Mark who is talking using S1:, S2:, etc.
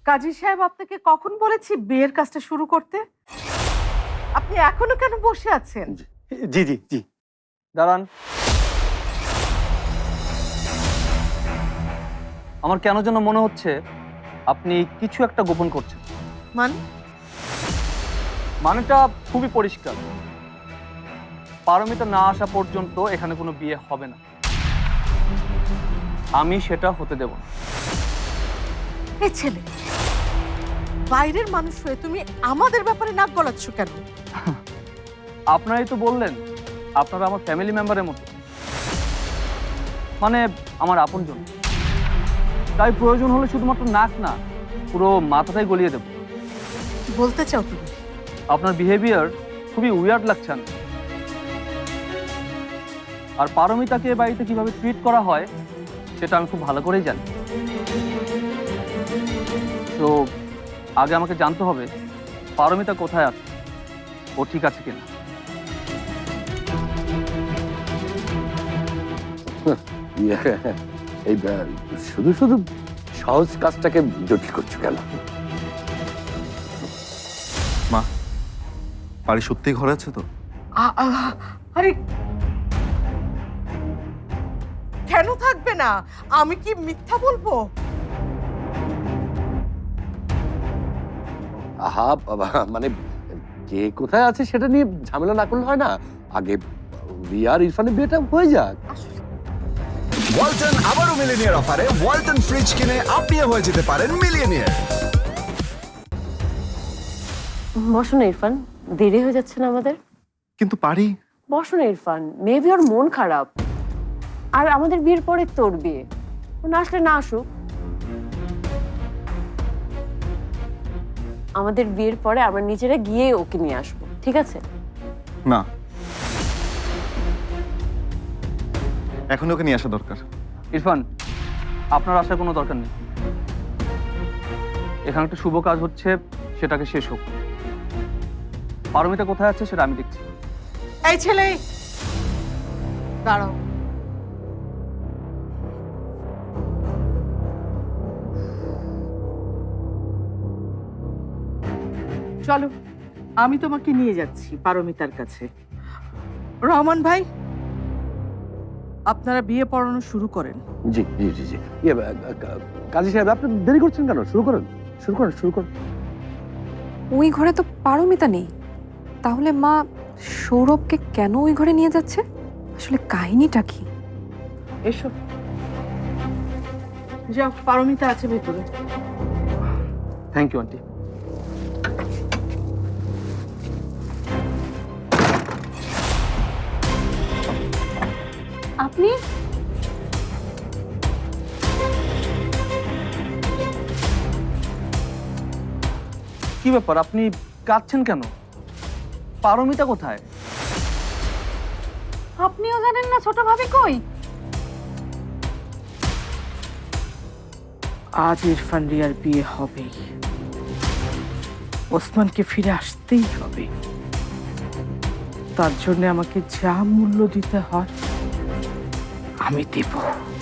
S1: কাজী সাহেব আপনাকে কখন বলেছি বিয়ের কাজটা শুরু করতে? আপনি এখনো কেন বসে আছেন?
S2: জি জি জি।
S3: দাঁড়ান। আমার কেন যেন মনে হচ্ছে আপনি কিছু একটা গোপন করছেন। মানেটা খুবই পরিষ্কার। পারমিতা না আসা পর্যন্ত এখানে কোনো বিয়ে হবে না। আমি সেটা হতে দেব না।
S1: এই ছেলে, বাইরের মানুষ হয়ে তুমি আমাদের ব্যাপারে নাক গলাচ্ছ কেন?
S3: আপনারাই তো বললেন আপনারা আমার ফ্যামিলি মেম্বারের মতো, মানে আমার আপনজন। তাই প্রয়োজন হলে শুধুমাত্র নাক না, পুরো মাথাটাই গলিয়ে দেব।
S1: কি বলতে চাও তুমি?
S3: আপনার বিহেভিয়ার খুবই উইয়ার্ড লাগছে। আর পারমিতাকে বাড়িতে কিভাবে ট্রিট করা হয় সেটা আমি খুব ভালো করেই জানি। তো আগে আমাকে জানতে হবে পারমিতা কোথায় আছে, ও ঠিক আছে কিনা।
S2: এই শুধু শুধু সহজ কাজটাকে জটিল করছো কেন?
S4: মা, বাড়ি সত্যিই ঘরে আছে তো?
S1: আরে কেন থাকবে না? আমি কি মিথ্যা বলবো?
S2: আহা বাবা, মানে কে কোথায় আছে সেটা নিয়ে ঝামেলা না করলে হয় না? আগে রিয়া আর ইরফানের বিয়েটা হয়ে যাক।
S5: ওয়ালটন আবারও মিলিনিয়ার অফারে ওয়ালটন ফ্রিজ কিনে আপনিও হয়ে যেতে পারেন মিলিয়নিয়ার।
S6: বসো না ইরফান, দেরি হয়ে যাচ্ছে না আমাদের?
S4: কিন্তু পারি।
S6: বসো না ইরফান, মেবি ওর মন খারাপ। আর আমাদের বিয়ের পরে তোর বিয়ে, ও না আসলে না আসুক। আমাদের বিয়ের পরে আমরা নিজেরা গিয়ে ওকে নিয়ে আসবো, ঠিক আছে?
S4: না, এখন ওকে নিয়ে আসা দরকার।
S3: ইরফান, আপনার আসার কোনো দরকার নেই। এখানে একটা শুভ কাজ হচ্ছে, সেটাকে শেষ হোক। পারমিতা কোথায় আছে সেটা আমি দেখছি।
S1: এই ছেলে, দাঁড়াও। চলো, আমি তোমাকে নিয়ে যাচ্ছি পারমিতার কাছে। রহমান ভাই, আপনারা বিয়ে পড়ানো শুরু করেন।
S2: জি জি জি জি। কাজী সাহেব, আপনি দেরি করছেন কেন? শুরু করেন, শুরু করেন, শুরু করেন।
S7: ওই ঘরে তো পারমিতা নেই, তাহলে মা সৌরভকে কেন ওই ঘরে নিয়ে যাচ্ছে? আসলে কাহিনীটা কি?
S1: এসো, যাও, পারমিতা আছে ভেতরে।
S3: Thank you aunty.
S6: আপনি
S3: কি ব্যাপার, আপনি কাঁদছেন কেন? পারমিতা কোথায়?
S6: আপনিও জানেন না ছোট ভাবি কই?
S1: আজ ইরফান রিয়ার বিয়ে হবেই। ওসমানকে ফিরে আসতেই হবে। তার জন্য আমাকে যা মূল্য দিতে হয় আমি দেব।